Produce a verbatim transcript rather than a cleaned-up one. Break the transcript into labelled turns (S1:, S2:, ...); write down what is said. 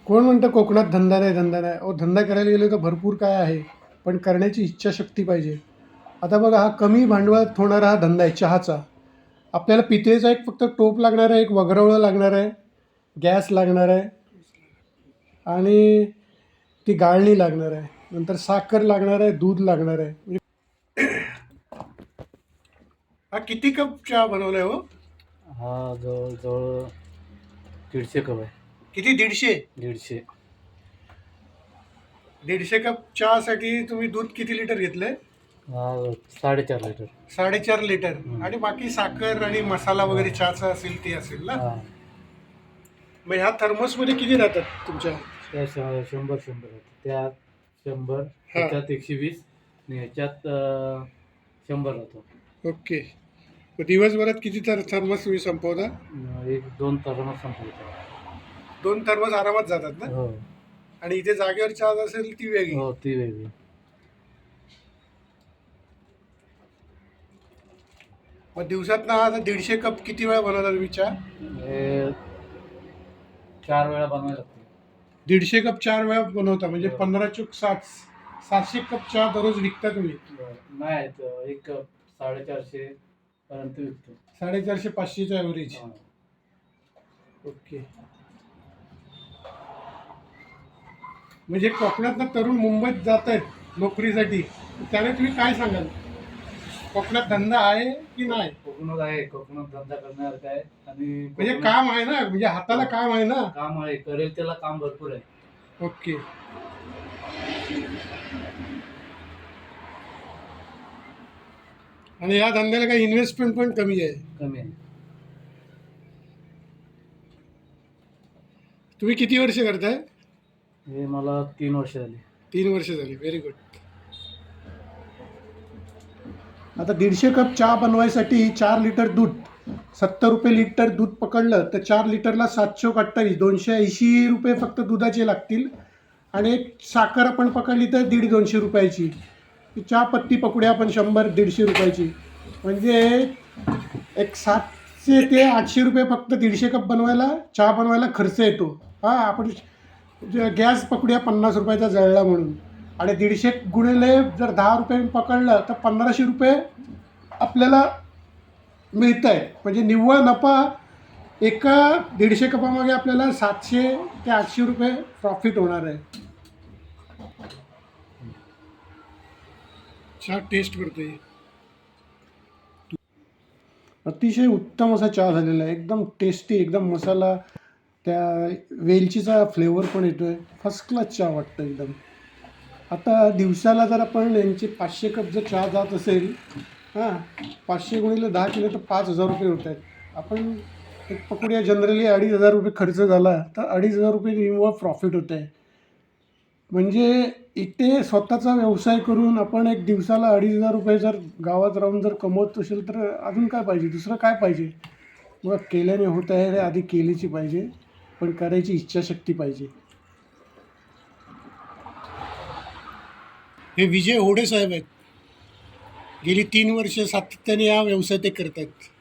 S1: कोण म्हणतं कोकणात धंदा नाही धंदा नाही. अहो धंदा करायला गेलो तर भरपूर काय आहे, पण करण्याची इच्छाशक्ती पाहिजे. आता बघा, हा कमी भांडवलात होणारा हा धंदा आहे चहाचा. आपल्याला पितळेचा एक फक्त टोप लागणार आहे, एक वगरवळं लागणार आहे, गॅस लागणार आहे आणि ती गाळणी लागणार आहे, नंतर साखर लागणार आहे, दूध लागणार आहे. म्हणजे हा किती कप चहा बनवलाय हो?
S2: हा जवळजवळ दीडशे कप आहे.
S1: किती? दीडशे?
S2: दीडशे.
S1: दीडशे कप चहासाठी तुम्ही दूध किती लिटर घेतलंय?
S2: हा साडेचार लिटर.
S1: साडेचार लिटर.
S2: हम्म.
S1: आणि बाकी साखर आणि मसाला वगैरे चहाचा असेल ते असेल ना.
S2: हा
S1: मग ह्या थर्मसमध्ये किती राहतात तुमच्या?
S2: त्या श- शंभर शंभर होते. त्यात शंभर,
S1: हा.
S2: त्याच्यात एकशे वीस आणि ह्याच्यात अं, शंभर होतो.
S1: ओके. मग दिवसभरात किती तर थर्मस तुम्ही संपवता?
S2: अं, एक दोन तासांना संपवतो.
S1: दोन थर्मस आरामात जातात ना.
S2: हो
S1: आणि इथे जागेवर चहा असेल ती वेगळी.
S2: हो ती वेगळी.
S1: मग दिवसात ना आता दीडशे कप किती वेळा बनवता तुम्ही चहा?
S2: हे चार वेळा बनवायला लागते.
S1: दीडशे कप चार वेळा बनवता म्हणजे
S2: हो.
S1: पंधरा चूक साठ सातशे कप चहा दररोज विकता तुम्ही?
S2: नाही तर एक कप साडेचारशे पर्यंत विकतो.
S1: साडेचारशे पाचशेचा ॲव्हरेज.
S2: हा.
S1: ओके. म्हणजे कोकणातनं तरुण मुंबईत जात आहेत नोकरीसाठी, त्याने तुम्ही काय सांगाल? कोकणात धंदा आहे की नाही?
S2: कोकणात आहे. कोकणात धंदा करण्यासारखा आहे आणि
S1: म्हणजे
S2: कोकणात
S1: काम आहे ना, म्हणजे हाताला काम आहे ना.
S2: काम आहे. करेल त्याला काम भरपूर आहे.
S1: ओके. आणि या धंद्याला काही इन्व्हेस्टमेंट पण कमी आहे.
S2: कमी आहे.
S1: तुम्ही किती वर्ष करताय?
S2: हे मला तीन वर्ष झाली.
S1: तीन वर्ष झाली. Very good. आता दीडशे कप चहा बनवायसाठी चार लिटर दूध, सत्तर रुपये लिटर दूध पकडलं तर चार लिटरला सातशे अठ्ठावीस, दोनशे ऐंशी रुपये फक्त दुधाचे लागतील. आणि एक साखर आपण पकडली तर दीड दोनशे रुपयाची. चहा पत्ती पकडूया आपण शंभर दीडशे रुपयाची, म्हणजे एक सातशे ते आठशे रुपये फक्त दीडशे कप बनवायला चहा बनवायला खर्च येतो. हां, आपण गॅस पकडूया पन्नास रुपयाचा जळला म्हणून, आणि दीडशे गुणिले जर दहा रुपये पकडलं तर पंधराशे रुपये आपल्याला मिळत आहे. म्हणजे निव्वळ नफा एका दीडशे कपामागे आपल्याला सातशे ते आठशे रुपये प्रॉफिट होणार आहे. चहा टेस्ट करतोय. अतिशय उत्तम असा चहा झालेला आहे. एकदम टेस्टी, एकदम मसाला, त्या वेलचीचा फ्लेवर पण येतोय. फर्स्ट क्लास चहा वाटतं एकदम. आता दिवसाला जर आपण यांचे पाचशे कप जर चहा जात असेल, हां, पाचशे गुणिले दहा केले तर पाच हजार रुपये होत आहेत. आपण एक पकडूया जनरली अडीच हजार रुपये खर्च झाला तर अडीच हजार रुपये निव्वळ प्रॉफिट होत आहे. म्हणजे इथे स्वतःचा व्यवसाय करून आपण एक दिवसाला अडीच हजार रुपये जर गावात राहून जर कमवत असेल तर अजून काय पाहिजे, दुसरं काय पाहिजे? मग केल्याने होत आहे, आधी केलीची पाहिजे, पण करायची इच्छाशक्ती पाहिजे. हे विजय होडे साहेब आहेत. गेली तीन वर्ष सातत्याने हा व्यवसाय ते करत आहेत.